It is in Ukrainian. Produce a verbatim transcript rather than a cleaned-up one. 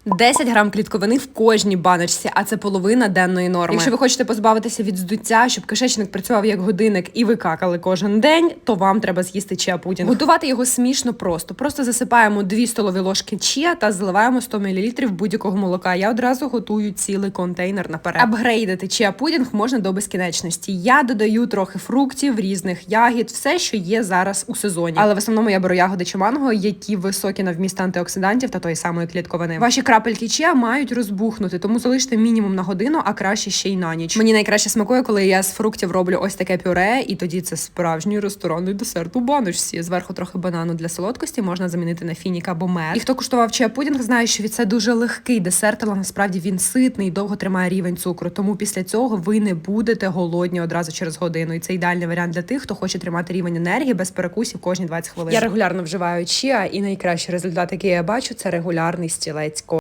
десять грам клітковини в кожній баночці, а це половина денної норми. Якщо ви хочете позбавитися від здуття, щоб кишечник працював як годинник і ви какали кожен день, то вам треба з'їсти чиа-пудінг. Готувати його смішно просто. Просто засипаємо дві столові ложки чиа та заливаємо сто мілілітрів будь-якого молока. Я одразу готую цілий контейнер наперед. Апгрейдити чиа-пудінг можна до безкінечності. Я додаю трохи фруктів, різних ягід, все, що є зараз у сезоні. Але в основному я беру ягоди чи манго, які високі на вміст антиоксидантів та тої самої клітковини. Ваші крапельки чиа мають розбухнути, тому залиште мінімум на годину, а краще ще й на ніч. Мені найкраще смакує, коли я з фруктів роблю ось таке пюре, і тоді це справжній ресторанний десерт у баночці. Зверху трохи банану для солодкості можна замінити на фінік або мед. І хто куштував чиа-пудінг, знає, що це дуже легкий десерт, але насправді він ситний і довго тримає рівень цукру. Тому після цього ви не будете голодні одразу через годину. І це ідеальний варіант для тих, хто хоче тримати рівень енергії без перекусів кожні двадцять хвилин. Я регулярно вживаю чиа, і найкращий результат, який я бачу, це регулярний стілець.